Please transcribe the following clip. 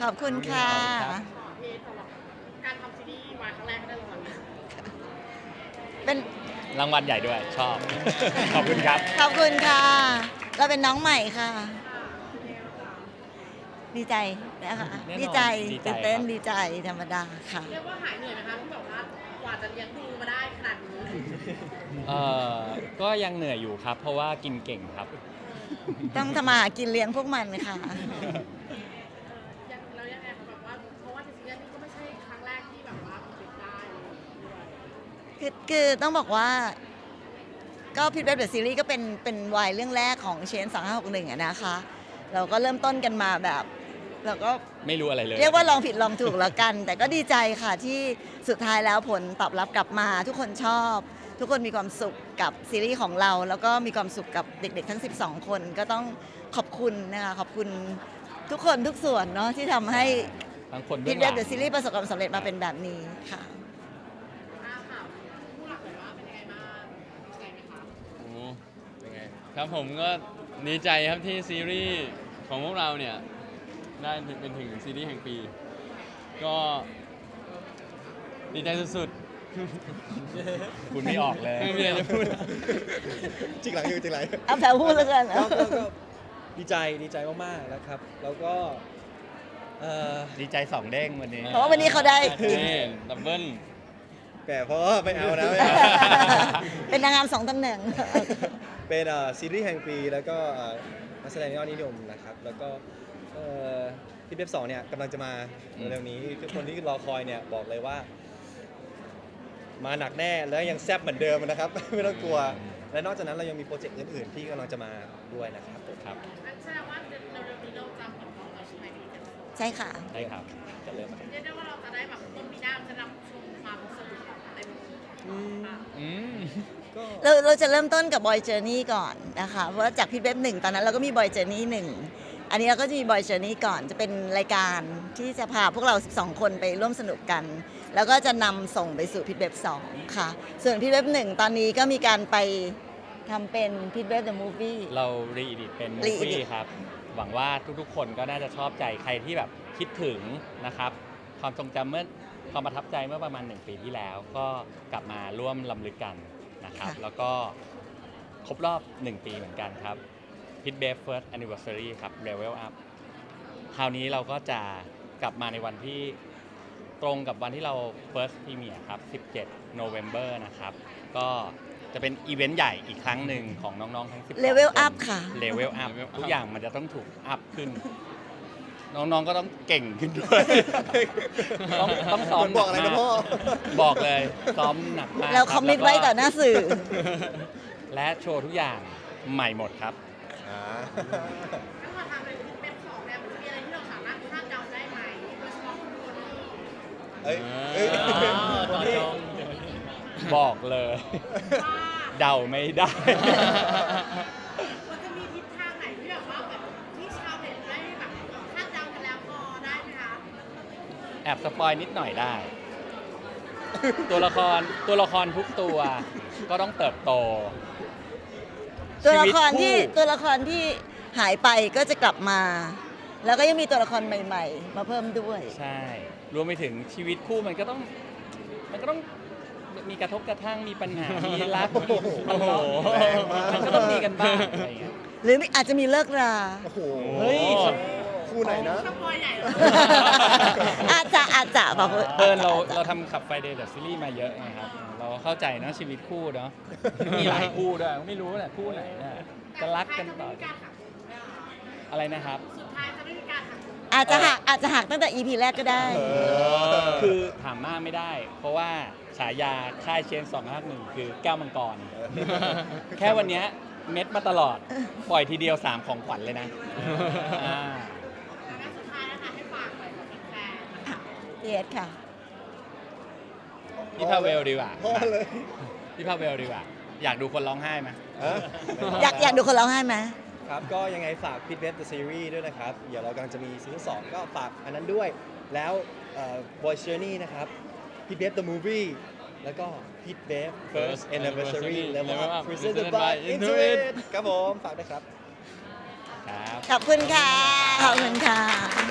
ขอบคุณค่ะเพจสำหรับการทำซีรีส์วายครั้งแรกก็ได้รางวัลนี้เป็นรางวัลใหญ่ด้วยชอบ ขอบคุณครับขอบคุณค่ะ เราเป็นน้องใหม่ค่ะ ดีใจนะคะแน่นอนดีใจดีใจตื่นเต้นครับดีใจธรรมดาค่ะเรียกว่าหายเหนื่อยไหมคะที่แบบว่ากว่าจะเลี้ยงดูมาได้ขนาดนี้ก็ยังเหนื่อยอยู่ครับ เพราะว่ากินเก่งครับต้องทำมาหากินเลี้ยงพวกมันค่ะยังเรายังไงคะแบบว่าเพราะว่าในซีรีส์นี้ก็ไม่ใช่ครั้งแรกที่แบบว่าติดได้ด้วยคือต้องบอกว่า ก็พิทเว็บเดอะซีรีส์ก็เป็นวายเรื่องแรกของเชน2561อะนะคะ เราก็เริ่มต้นกันมาแบบเราก็ไม่รู้อะไรเลยเรียกว่าลองผิดลองถูกแล้วกัน แต่ก็ดีใจค่ะที่สุดท้ายแล้วผลตอบรับกลับมา ทุกคนชอบ ทุกคนมีความสุขกับซีรีส์ของเรา แล้วก็มีความสุขกับเด็กๆทั้ง12 คนก็ต้องขอบคุณนะคะขอบคุณทุกคนทุกส่วนเนาะที่ทำให้ทั้งคนเบื้พิอทงหเว็ลับงเดอะซีรีส์ประสบความสำเร็จมาเป็นแบบนี้ค่ะค่ะผู้หลักเลยว่าเป็นยังไงบ้างดีใจไหมคะโอ้เป็นไงครับผมก็ดีใจครับที่ซีรีส์ของพวกเราเนี่ยได้เป็นถึงซีรีส์แห่งปี ก็ดีใจสุดคุณไม่ออกเลยๆไม่มีอะไรจะพูดจริงหลังอยู่จริงหลังเอาแผลพูดแล้วกันก็ดีใจมากๆนะครับ แล้วก็ดีใจ2 เด้งวันนี้เพราะว่าวันนี้เขาได้นี่ดับเบิ้ลแต่เพราะว่าไม่เอานะไม่เอาเป็นนางงาม2 ตำแหน่งเป็นซีรีส์แห่งปีแล้วก็นักแสดงยอดนิยมนะครับ แล้วก็ที่เว็บ2เนี่ยกำลังจะมาเร็วๆนี้ทุกคนที่รอคอยเนี่ยบอกเลยว่า มาหนักแน่แล้วยังแซ่บเหมือนเดิมนะครับ ไม่ต้องกลัว และนอกจากนั้นเรายังมีโปรเจกต์อื่นๆที่กำลังจะมาด้วยนะครับผมครับงั้นแสดงว่าเร็วๆนี้เราจะเปิดกล้องแล้วใช่ไหมพี่เจมส์ใช่ค่ะได้ครับจะเริ่มแล้วเรียกได้ว่าเราจะได้แบบต้นปีหน้าจะนำชมความสนุกแบบเต็มที่ค่ะอืมก็เราจะเริ่มต้นกับบอยเจอร์นี่ก่อนนะคะ เพราะว่าจากพิทเว็บ1ตอนนั้นเราก็มีบอยเจอร์นี่1อันนี้เราก็จะมีบอยเจอร์นี่ก่อนจะเป็นรายการที่จะพาพวกเรา12 คนไปร่วมสนุกกัน แล้วก็จะนำส่งไปสู่พิทเว็บ2ค่ะ ส่วนพิทเว็บ1ตอนนี้ก็มีการไปทำเป็นพิทเว็บเดอะมูฟวี่เรารีดิตเป็นมูฟ re-edit วี่ครับ หวังว่าทุกๆ คนก็น่าจะชอบใจใครที่แบบคิดถึงนะครับ ความทรงจำความประทับใจเมื่อประมาณ1 ปีที่แล้ว ก็กลับมาร่วมลำลึกกันนะครับค่ะแล้วก็ครบรอบ 1 ปีเหมือนกันครับ Pit b a b First Anniversary ครับ Level Up คราวนี้เราก็จะกลับมาในวันที่ตรงกับวันที่เรา First Premiere ครับ 17 November นะครับ ก็จะเป็นอีเวนต์ใหญ่อีกครั้งหนึ่งของน้องๆทั้ง12 Level คน up ค่ะ Level Up ทุกอย่างมันจะต้องถูกอัพขึ้น น้องๆก็ต้องเก่งขึ้นด้วย ต้องซ้อมบอกอะไรหนะกพ่อบอกเลยซ้อมหนักมากเราบคอมมิตไว้ต่อหน้าสื่อและโชว์ทุกอย่างใหม่หมดครับถ้าเราทำเป็นเว็บ2เนี่ยมันจะมีอะไรที่เราสามารถคาดเดาได้ไหมโดยเฉพาะคุณคนที่เอ้ยเอ้ยต่อจองบอกเลยว่าเดาไม่ได้มันจะมีทิศทางไหนที่แบบว่าแบบที่ชาวเน็ตได้แบบคาดเดากันแล้วพอได้ไหมคะแอบสปอยนิดหน่อยได้ ตัวละครทุกตัวก็ต้องเติบโตตัวละครที่ชีวิตคู่ตัวละครที่หายไปก็จะกลับมา แล้วก็ยังมีตัวละครใหม่ๆ มาเพิ่มด้วยใช่ รวมไปถึงชีวิตคู่มันก็ต้องมีกระทบกระทั่งมีปัญหา มีรักมีทะเลาะแรงมากมันก็ต้องมีกันบ้างอะไรอย่างเงี้ยหรืออาจจะมีเลิกราโอ้โหเฮ้ยคู่ไหนนะสปอยใหญ่เลยอาจจะบอกว่าเราทำขับไฟเดย์เดอะซีรีส์มาเยอะนะครับ เราเข้าใจเนอะชีวิตคู่เนาะมีหลายคู่ด้วยไม่รู้แหละคู่ไหนน่ะจะรักกันต่อแต่สุดท้ายจะไม่มีการหักมุมด้วยเหรออะไรนะครับสุดท้ายจะไม่มีการหักมุมอาจจะหักตั้งแต่ EP แรกก็ได้คือถามมากไม่ได้ เพราะว่าฉายาค่ายเชน251คือแก้วมังกร แค่วันเนี้ยเม็ดมาตลอด ปล่อยทีเดียว 3 ของขวัญเลยนะอ่าแล้วสุดท้ายนะคะให้ฝากหน่อยกับแฟนๆเยสค่ะพี่พาเวลดีกว่าพ่อเลยพี่พาเวลดีกว่า อยากดูคนร้องไห้ไหมอยากดูคนร้องไห้ไหมครับก็ยังไงฝาก Pit Web The Series ด้วยนะครับ เดี๋ยวเรากำลังจะมีซีซั่น2ก็ฝากอันนั้นด้วย แล้ว Boy Journey นะครับ Pit Web The Movie แล้วก็ Pit Web First Anniversary Level Up Presented by Intuit ครับผม ฝากด้วยครับครับขอบคุณค่ะ ขอบคุณค่ะ